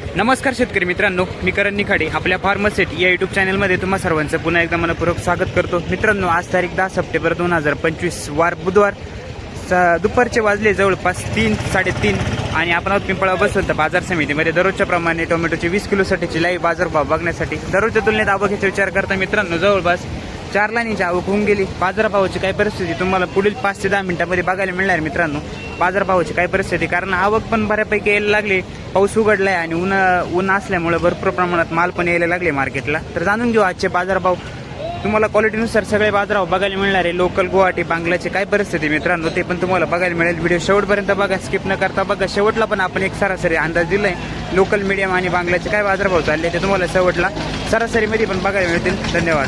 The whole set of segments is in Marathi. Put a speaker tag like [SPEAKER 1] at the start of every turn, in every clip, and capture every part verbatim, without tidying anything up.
[SPEAKER 1] नमस्कार शेतकरी मित्रांनो, मी करण निखाडे आपल्या फार्मसेट या यूट्यूब चॅनलमध्ये तुम्हा सर्वांचं पुन्हा एकदा मनपूर्वक स्वागत करतो. मित्रांनो, आज तारीख दहा सप्टेंबर दोन हजार पंचवीस वार बुधवार, दुपारचे वाजले जवळपास तीन साडेतीन आणि आपण आहोत पिंपळा बसवंत बाजार समितीमध्ये दररोजच्या प्रमाणे टोमॅटोचे वीस किलोसाठीची लाईव्ह बाजारभाव बघण्यासाठी. दररोजच्या तुलनेत आवकेचा विचार करता मित्रांनो जवळपास चार लाईनीची आवक होऊन गेली. बाजारभावाची काय परिस्थिती तुम्हाला पुढील पाच ते दहा मिनिटांमध्ये बघायला मिळणार मित्रांनो. बाजारभावाची काय परिस्थिती, कारण आवक पण बऱ्यापैकी यायला लागली, पाऊस उघडलाय आणि ऊन ऊन असल्यामुळे भरपूर प्रमाणात माल पण यायला लागले मार्केटला. तर जाणून घेऊ आजचे बाजारभाव. तुम्हाला क्वालिटीनुसार सगळे बाजारभाव बघायला मिळणार आहे. लोकल गुवाहाटी बांगलाची काय परिस्थिती मित्रांनो ते पण तुम्हाला बघायला मिळेल. व्हिडिओ शेवटपर्यंत बघा, स्किप न करता बघा. शेवटला पण आपण एक सरासरी अंदाज दिलाय लोकल मीडियम आणि बांगलाचे काय बाजारभाव चालले ते तुम्हाला शेवटला सरासरीमध्ये पण बघायला मिळतील. धन्यवाद.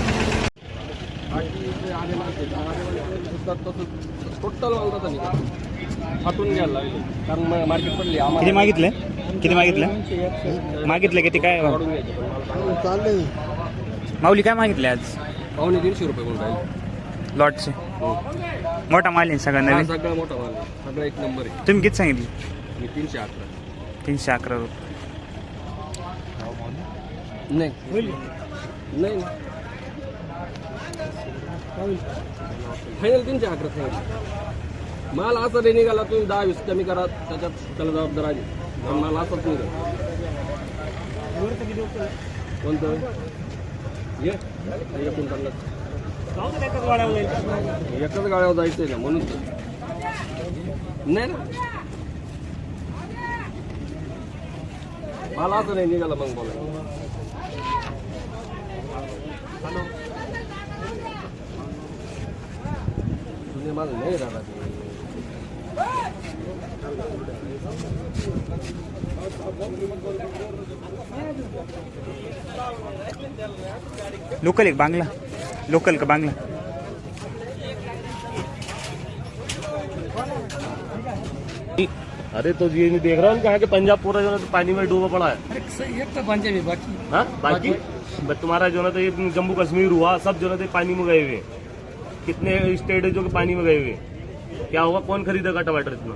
[SPEAKER 2] टोटल हातून घ्यायला लागले कारण मार्केट पडली.
[SPEAKER 1] किती मागितले किती मागितले मागितले किती काय
[SPEAKER 2] चाललंय
[SPEAKER 1] माऊली काय मागितले आज?
[SPEAKER 2] पावणे तीनशे रुपये कोण राहील
[SPEAKER 1] लॉटचे. मोठा माल आहे सगळा नवीन,
[SPEAKER 2] सगळा मोठा माल आहे, सगळा एक नंबर आहे.
[SPEAKER 1] तुम्ही किती सांगितले?
[SPEAKER 2] मी तीनशे अकरा
[SPEAKER 1] तीनशे अकरा रुपये.
[SPEAKER 2] नाही नाही फायनल तीनशे अकरा फायनल. माल असा नाही निघाला तुम्ही दहा वीस कमी करा त्याच्यात त्याला जबाबदार आहे. माल असाच निघाला कोणतं ये एकूण एकाच गाड्यावर जायचंय ना म्हणून नाही ना. माल असं नाही निघाला मग बोला. माल नाही राहिला
[SPEAKER 1] लोकल एक बांग्ला, लोकल का बांग्ला?
[SPEAKER 3] अरे तो ये नहीं देख रहा हूँ कि पंजाब पूरा जो है तो पानी में डूबा पड़ा है.
[SPEAKER 2] एक तो पंजाबी बाकी
[SPEAKER 3] हाँ बाकी बट तुम्हारा जो है तो ये जम्मू कश्मीर हुआ सब जो है तो पानी में गए हुए. कितने स्टेट है जो कि पानी में गए हुए. क्या होगा, कौन खरीदेगा टमाटर इतना?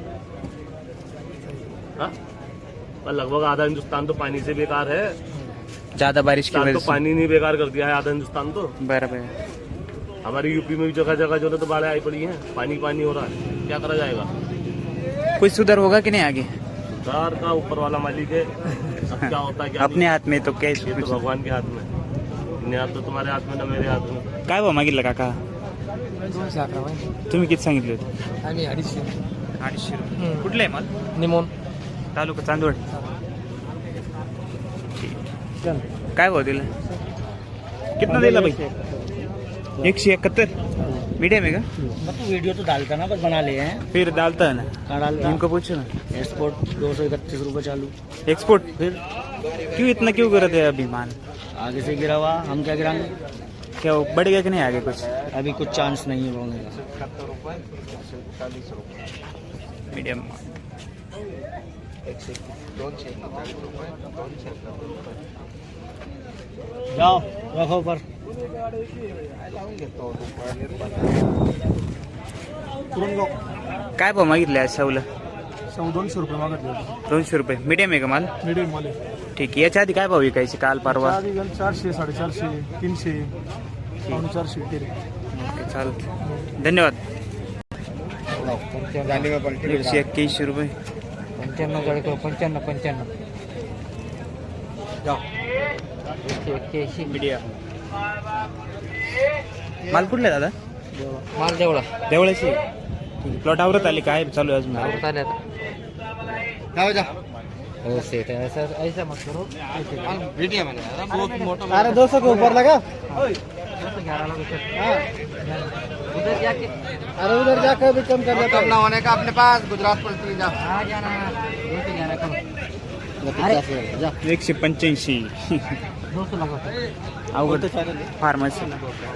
[SPEAKER 3] हाँ पर लगभग आधा हिंदुस्तान तो पानी से बेकार है.
[SPEAKER 1] ज्यादा बारिश की वजह
[SPEAKER 3] तो
[SPEAKER 1] से
[SPEAKER 3] पानी नहीं बेकार कर दिया है आधा हिंदुस्तान तो.
[SPEAKER 1] बराबर.
[SPEAKER 3] हमारे यूपी में भी जगह जगह जो है तो बाढ़ें आई पड़ी है, पानी पानी हो रहा है. क्या करा जाएगा?
[SPEAKER 1] कुछ सुधार होगा कि नहीं आगे?
[SPEAKER 3] सुधार का ऊपर वाला मालिक है. अब क्या होता है क्या
[SPEAKER 1] अपने हाथ में तो क्या
[SPEAKER 3] ये तो भगवान के हाथ में. न तो तुम्हारे हाथ में ना मेरे हाथ में.
[SPEAKER 1] काय भाव मागितलं काका?
[SPEAKER 2] दोनशे अकरा
[SPEAKER 1] तुम्ही किती सांगितले होते?
[SPEAKER 2] आणि अडीचशे
[SPEAKER 1] अडीचशे रुपये. कुठलं आहे माल?
[SPEAKER 2] निमोन
[SPEAKER 1] तालुका चांदवड. काय भाव दिला? कितना दिला भाई? एकशे इकहत्तर. मीडियम है का?
[SPEAKER 2] वीडियो तो डालता ना, बस बना लिए हैं.
[SPEAKER 1] फिर डालता है ना,
[SPEAKER 2] कहाँ डालता?
[SPEAKER 1] इनको पूछो ना.
[SPEAKER 2] एक्सपोर्ट दो सौ इकतीस रुपये चालू.
[SPEAKER 1] एक्सपोर्ट
[SPEAKER 2] फिर
[SPEAKER 1] क्यों इतना क्यों कर रहे हैं अभी माल?
[SPEAKER 2] आगे से गिरा हुआ, हम क्या गिराएंगे?
[SPEAKER 1] क्या वो बढ़ गया कि नहीं आगे कुछ?
[SPEAKER 2] अभी कुछ चांस नहीं है बढ़ने का.
[SPEAKER 1] मीडियम.
[SPEAKER 2] जाओ रखो पर.
[SPEAKER 1] काय भाव मागितले आज शाहूला?
[SPEAKER 2] सौ दोनशे रुपये मागत
[SPEAKER 1] दोनशे रुपये. मीडियम आहे का माल?
[SPEAKER 2] मीडियम वाले
[SPEAKER 1] ठीक आहे. याच्या आधी काय भाव विकायचे काल परवा?
[SPEAKER 2] चारशे साडेचारशे तीनशे पावणे चारशे तेरे.
[SPEAKER 1] ओके, चालतं. धन्यवाद. दीडशे एक्क्याऐंशी रुपये.
[SPEAKER 2] पंच्याण्णव गाडी पंच्याण्णव पंच्याण्णव एक्क्याऐंशी
[SPEAKER 1] मीडियम. माल कुठला आहे दादा?
[SPEAKER 2] माल देवळा
[SPEAKER 1] देवळाची. ठीक आहे. प्लॉट आवरत आली काय चालू आहे अजून?
[SPEAKER 2] हो सेट है ऐसा ऐसा मत करो. अरे दो सौ के ऊपर लगा. उधर जाके अरे उधर जाकर भी कम कर लेता. कम ना होने का अपने पास गुजरात पलटी जा. हाँ जाना दो सौ जाना कम. जा
[SPEAKER 1] एकशे पंच्याऐंशी.
[SPEAKER 2] दो सौ लगा
[SPEAKER 1] अवघड फार्मसी.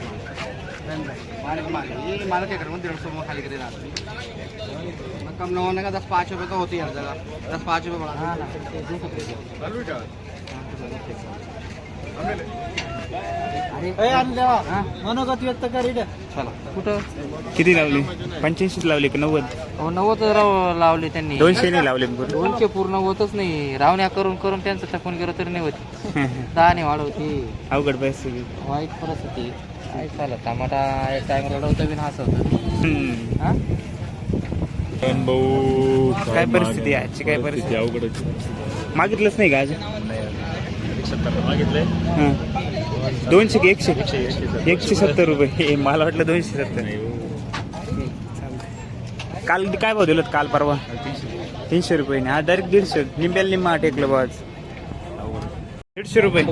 [SPEAKER 2] माल के करूँ डेढ़ सौ में खाली कर देना. कम न होने का दस पाँच रुपये तो होती है हर जगह. दस पाँच रुपये बढ़ा. मनोगत व्यक्त करी चला कुठं
[SPEAKER 1] किती लावली पंच्याऐंशी लावली का नव्वद
[SPEAKER 2] हो नव्वद राव लावले त्यांनी
[SPEAKER 1] दोनशे नाही लावले पूर्ण.
[SPEAKER 2] दोनशे पूर्ण होतच नाही रावण्या करून करून त्यांचं टकून गेलं तरी नाही होत दहा नाही वाढवते
[SPEAKER 1] अवघड परिस्थिती.
[SPEAKER 2] वाईट परिस्थिती काय चालत टमाटा एक टाइम रडवतं बिन हसवतं
[SPEAKER 1] हम्म.
[SPEAKER 2] हा
[SPEAKER 1] काय परिस्थिती आहे आजची? काय परिस्थिती
[SPEAKER 3] अवघड
[SPEAKER 1] मागितलंच नाही का आज?
[SPEAKER 3] मागितलंय
[SPEAKER 1] हं. दोनशे की एकशे एकशे सत्तर रुपये हे मला वाटलं दोनशे सत्तर. काल काय भाव दिलं काल परवा? तीनशे रुपये हा डायरेक्ट दीडशे निंब्याला निम्मा टेकलं बा आज दीडशे रुपये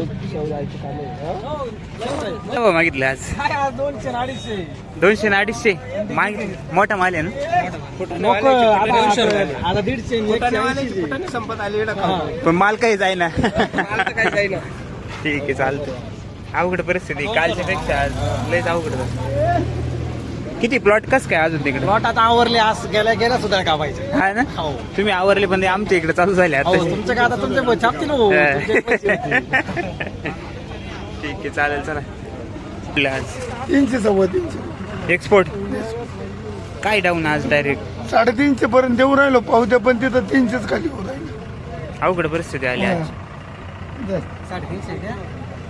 [SPEAKER 1] काय भाव मागितले आज?
[SPEAKER 2] दोनशे अडीचशे
[SPEAKER 1] दोनशे ना अडीचशे मागितले. मोठा माल आहे ना
[SPEAKER 2] आता दीडशे संपत आले
[SPEAKER 1] पण माल काही जाईना. ठीक आहे चालतं. अवघड परिस्थिती कालच्या पेक्षा आज लयच अवघड झालं. किती प्लॉट कस काय अजून तिकडे?
[SPEAKER 2] प्लॉट आता आवरले आज गेल्या गेल्या सुद्धा का पाहिजे
[SPEAKER 1] हा ना तुम्ही आवरले पण ते आमच्या इकडे चालू झाले आता.
[SPEAKER 2] तुमच्या का आता तुमचे छापतील हो.
[SPEAKER 1] ठीक आहे चालेल चला. आपलं आज
[SPEAKER 4] तीनशे सव्वा तीनशे
[SPEAKER 1] एक्सपोर्ट काय डाऊन आज डायरेक्ट
[SPEAKER 4] साडेतीनशे पर्यंत देऊ राहिलो पावत्या पण तिथं तीनशेच खाली होऊ राहिले.
[SPEAKER 1] अवघड परिस्थिती आली आज.
[SPEAKER 2] साडेतीनशे द्या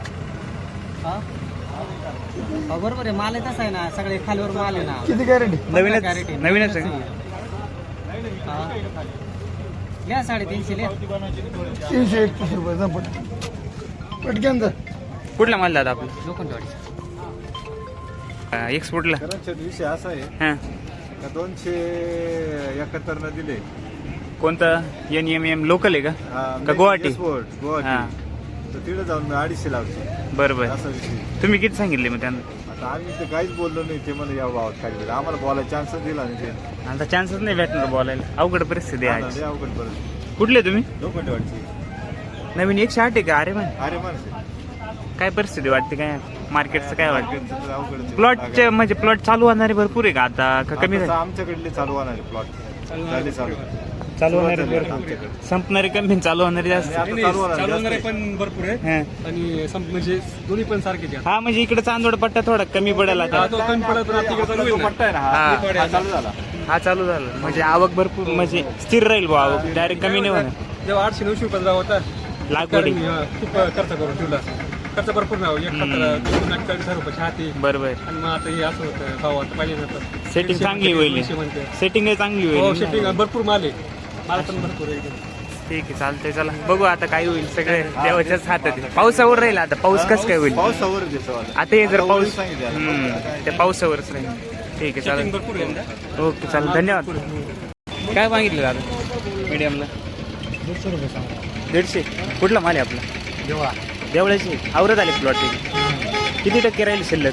[SPEAKER 2] बरोबर आहे माल आहे तसा आहे ना सगळे खालीवर माल आहे ना.
[SPEAKER 4] किती गॅरंटी?
[SPEAKER 1] नवीनच
[SPEAKER 2] Guarantee.
[SPEAKER 1] नवीनच आहे.
[SPEAKER 2] हा. लिहा साडेतीनशे लिहा
[SPEAKER 4] तीनशे एकतीस रुपये जा पट पटक्यान जा.
[SPEAKER 1] कुठला माल दादा आपला?
[SPEAKER 2] लोखंडवाडी
[SPEAKER 1] एक्सपोर्टला?
[SPEAKER 5] विषय असा आहे
[SPEAKER 1] हा
[SPEAKER 5] का दोनशे एकाहत्तर न दिले.
[SPEAKER 1] कोणतं एन एम एम लोकल आहे का?
[SPEAKER 5] हा,
[SPEAKER 1] का गुवाहाटी?
[SPEAKER 5] एक्सपोर्ट,
[SPEAKER 1] हा
[SPEAKER 5] गुवाहाटी तर तिकडे जाऊन मी अडीचशे लावतो
[SPEAKER 1] बरोबर.
[SPEAKER 5] असा विषय.
[SPEAKER 1] तुम्ही किती सांगितले मग त्यांना?
[SPEAKER 5] आता आम्ही ते काहीच बोललो नाही. ते मला या भावात काढले आम्हाला बोलायला चान्सच दिला नाही ते.
[SPEAKER 1] आता चान्सच नाही भेटणार बोलायला. अवघड परिस्थिती आहे आज.
[SPEAKER 5] लय अवघड परत
[SPEAKER 1] कुठले तुम्ही?
[SPEAKER 5] लोखंडवाडची
[SPEAKER 1] नवीन एकशे आठ आहे का? अरे man,
[SPEAKER 5] अरे माणसे
[SPEAKER 1] काय परिस्थिती वाटते काय मार्केटचं काय वाटतं?
[SPEAKER 5] अवघड
[SPEAKER 1] प्लॉटचे म्हणजे प्लॉट चालू होणारे भरपूर आहे का आता का कमी
[SPEAKER 5] आता
[SPEAKER 1] झाले?
[SPEAKER 5] आमच्याकडले चालू होणार प्लॉट झाले चालू
[SPEAKER 1] चालू होणारे
[SPEAKER 5] सुरुवात झाली
[SPEAKER 1] भरपूर.
[SPEAKER 5] आमच्याकडे.
[SPEAKER 1] संपणारे कमी चालू होणारे जास्त.
[SPEAKER 5] आणि आता चालू होणार जास्त.
[SPEAKER 2] पण भरपूर आहे
[SPEAKER 1] हा.
[SPEAKER 2] आणि सम- म्हणजे दोन्ही पण सारखेच आहे.
[SPEAKER 1] हा म्हणजे इकडे चांदोड पट्टा थोडा कमी पडेल आता.
[SPEAKER 2] तो कमी पडत राहते का चालू
[SPEAKER 5] जो
[SPEAKER 2] होईल ना?
[SPEAKER 5] पट्टा आहे ना
[SPEAKER 1] हा.
[SPEAKER 5] हा, हा चालू झाला.
[SPEAKER 1] हा चालू झाला म्हणजे आवक भरपूर म्हणजे स्थिर राहील बा आवक डायरेक्ट कमी नाही होणार.
[SPEAKER 2] जेव्हा आठशे नऊशे रुपये होता
[SPEAKER 1] लागवडी
[SPEAKER 2] खूप खर्च करून ठेवला खर्च भरपूर नाही एक चाळीस हजार रुपये हाती
[SPEAKER 1] बरोबर.
[SPEAKER 2] आणि मग आता हे असं होतं भाव आता पाहिजे नंतर
[SPEAKER 1] सेटिंग चांगली होईल. सेटिंग चांगली
[SPEAKER 2] हो
[SPEAKER 1] होईल.
[SPEAKER 2] शेटिंग भरपूर माल आहे माल पण भरपूर आहे
[SPEAKER 1] ठीक आहे चालतंय चला बघू आता काय होईल. सगळे देवाच्याच हातात आहे. पावसावर राहील आता. पाऊस कसं काय होईल
[SPEAKER 5] पावसावर देतो
[SPEAKER 1] आता हे जर पाऊस
[SPEAKER 5] सांगितलं
[SPEAKER 1] हम्म, त्या पावसावरच राहील. ठीक आहे चालेल.
[SPEAKER 2] भरपूर आहे
[SPEAKER 1] ओके चालेल धन्यवाद. काय मागितलं दादा मीडियमला?
[SPEAKER 2] दीडशे रुपये सांगा
[SPEAKER 1] दीडशे. कुठला माल आहे आपला?
[SPEAKER 2] जेव्हा
[SPEAKER 1] देवळाची आवरत आले प्लॉट किती टक्के राहील शिल्लक?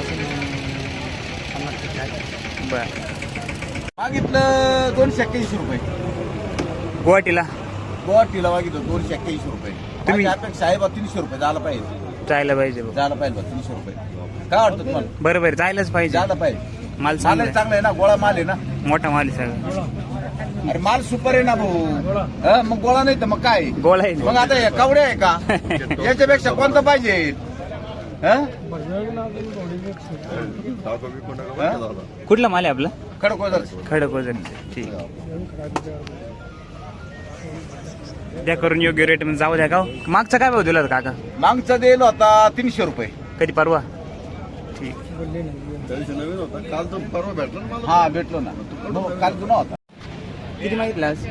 [SPEAKER 1] बर.
[SPEAKER 5] मागितलं दोनशे एक्क्याऐंशी रुपये.
[SPEAKER 1] गुवाहाटीला
[SPEAKER 5] गुवाहाटीला मागितलं दोनशे एक्क्याऐंशी रुपये.
[SPEAKER 1] तुम्ही-
[SPEAKER 5] माझी अपेक्षा आहे बा तीनशे रुपये झाला पाहिजे.
[SPEAKER 1] जायला पाहिजे बघ.
[SPEAKER 5] झाला पाहिजे बा तीनशे रुपये. काय वाटतं तुम्हाला?
[SPEAKER 1] बरोबर जायलाच पाहिजे.
[SPEAKER 5] झाला पाहिजे.
[SPEAKER 1] माल
[SPEAKER 5] माल
[SPEAKER 1] चांगला
[SPEAKER 5] आहे, चांगला आहे ना. गोळा माल आहे ना.
[SPEAKER 1] आहे. मोठा माल आहे सगळं.
[SPEAKER 5] अरे माल सुपर आहे ना भाऊ. हं, मग गोळा नाही तर मग काय?
[SPEAKER 1] गोळा आहे.
[SPEAKER 5] मग आता हे कवडे आहे का? याच्यापेक्षा कोणतं पाहिजे? हं? हं?
[SPEAKER 1] कुठला माल आहे आपला?
[SPEAKER 5] खडकोदर.
[SPEAKER 1] खडक वजन. ठीक द्या करून योग्य रेट मध्ये जाऊ द्या का हो? मागचा काय भाव दिला होता काका?
[SPEAKER 5] मागचा दिला होता तीनशे रुपये.
[SPEAKER 1] कधी परवा? ठीक.
[SPEAKER 5] काल तो परवा भेटलो ना मला. हा भेटलो ना. हो, काल जुना होता.
[SPEAKER 1] किती मागितलं आज?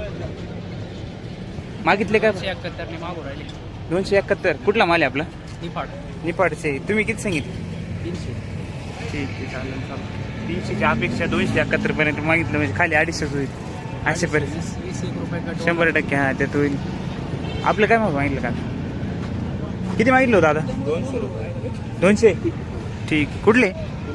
[SPEAKER 1] मागितले का? दोनशे एकाहत्तर. कुठला माल आहे आपला? निपाडचे. तुम्ही किती सांगितले? ठीक आहे चालेल चालेल. तीनशेची अपेक्षा दोनशे एकाहत्तर पर्यंत मागितलं म्हणजे खाली अडीचशेच होईल अशा परिस्थिती.
[SPEAKER 2] वीस एक रुपये
[SPEAKER 1] शंभर टक्के हा त्यात होईल. आपलं काय मग मागितलं का? किती मागितलं होतं दादा?
[SPEAKER 5] दोनशे रुपये.
[SPEAKER 1] दोनशे. ठीक. कुठले?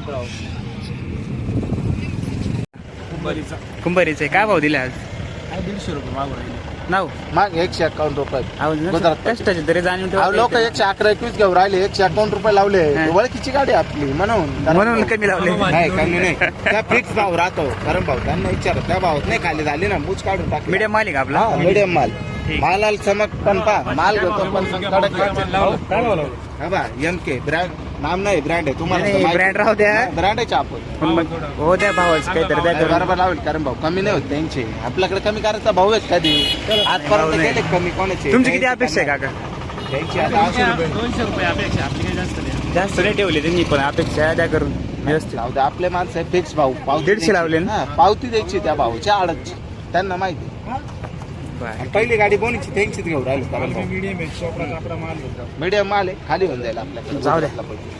[SPEAKER 1] कुंभारीचे. काय भाव दिले आज?
[SPEAKER 2] दीडशे रुपये मागू राहिले
[SPEAKER 1] नाव
[SPEAKER 4] माग एकशे एकावन्न रुपये. गुजरात.
[SPEAKER 1] कष्टाचे तरी जाणीव
[SPEAKER 4] लोक
[SPEAKER 1] ठेवा.
[SPEAKER 4] एकशे अकरा एकवीस घेऊन राहिले एकशे एकावन्न रुपये लावले.
[SPEAKER 1] हा.
[SPEAKER 4] ओळखीची गाडी आपली म्हणून
[SPEAKER 1] म्हणून कमी लावले.
[SPEAKER 4] नाही कमी नाही. त्या फिक्स भाव राहतो कारण भाऊ त्यांना विचार त्या भावात नाही खाली झाली ना मूच काढून टाकली.
[SPEAKER 1] मीडियम माल आहे का आपला?
[SPEAKER 4] मिडियम माल.
[SPEAKER 1] ठीक.
[SPEAKER 2] मालाल चमक पण पा माल घेतो पण कडक
[SPEAKER 3] काय बोला
[SPEAKER 2] हा बा एम के ब्रँड नाम नाही ब्रँड आहे
[SPEAKER 1] नाही, brand राहू द्या.
[SPEAKER 2] ब्रँड आहे आपण
[SPEAKER 1] पण मग हो द्या भावाच काहीतरी द्या करून.
[SPEAKER 2] बरोबर लावेल कारण भाऊ कमी नाही होत त्यांचे आपल्याकडे कमी करायचा भाऊ आहेत कधी आजपर्यंत
[SPEAKER 1] नाही.
[SPEAKER 2] गेले कमी कोणाचे
[SPEAKER 1] तुमची किती अपेक्षा आहे काका?
[SPEAKER 2] त्यांची आता ऐंशी रुपये.
[SPEAKER 3] दोनशे रुपये अपेक्षा आपली काही जास्त नाही
[SPEAKER 1] जास्त नाही ठेवले त्यांनी पण अपेक्षा द्या करून व्यवस्थित.
[SPEAKER 2] जाऊ दे, आपले माणसं आहे फिक्स भाऊ पावती
[SPEAKER 1] दीडशे
[SPEAKER 2] द्यायची.
[SPEAKER 1] लावले ना?
[SPEAKER 2] हा, पावती द्यायची त्या भाऊच्या आडतची त्यांना माहिती
[SPEAKER 1] बरं.
[SPEAKER 2] आणि पहिली गाडी कोणीची त्यांचीच घेऊन राहिलो कारण मीडियम माल आहे खाली होऊन जाईल आपल्याकडे
[SPEAKER 1] जाऊ द्या.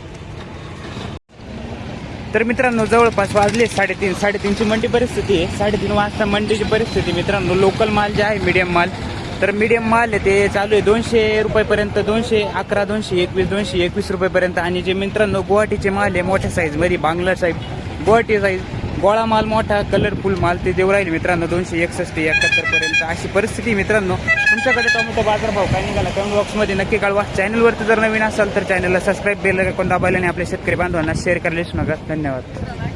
[SPEAKER 1] तर मित्रांनो जवळपास वाजले साडेतीन साडेतीनची मंडी परिस्थिती आहे. साडेतीन वाजता मंडीची परिस्थिती मित्रांनो. लोकल माल जे आहे मीडियम माल तर मीडियम माल आहे ते चालू आहे दोनशे रुपयेपर्यंत, दोनशे अकरा दोनशे एकवीस दोनशे एकवीस रुपयेपर्यंत. आणि जे मित्रांनो गुवाहाटीचे माल आहे मोठ्या साईजमध्ये बांगला साईज गुवाहाटी साईज गोळा माल मोठा कलरफुल माल ते देऊ राहील मित्रांनो दोनशे एकसष्ट एकाहत्तर पर्यंत अशी परिस्थिती मित्रांनो. तुमच्याकडे टोमॅटो बाजारभाव काय निघाला कमेंट बॉक्समध्ये नक्की कळवा. चॅनलवरती जर नवीन असाल तर चॅनलला सबस्क्राईब बेल आयकॉन दाबायला आणि आपल्या शेतकरी बांधवांना शेअर करायला विसरू नका. धन्यवाद.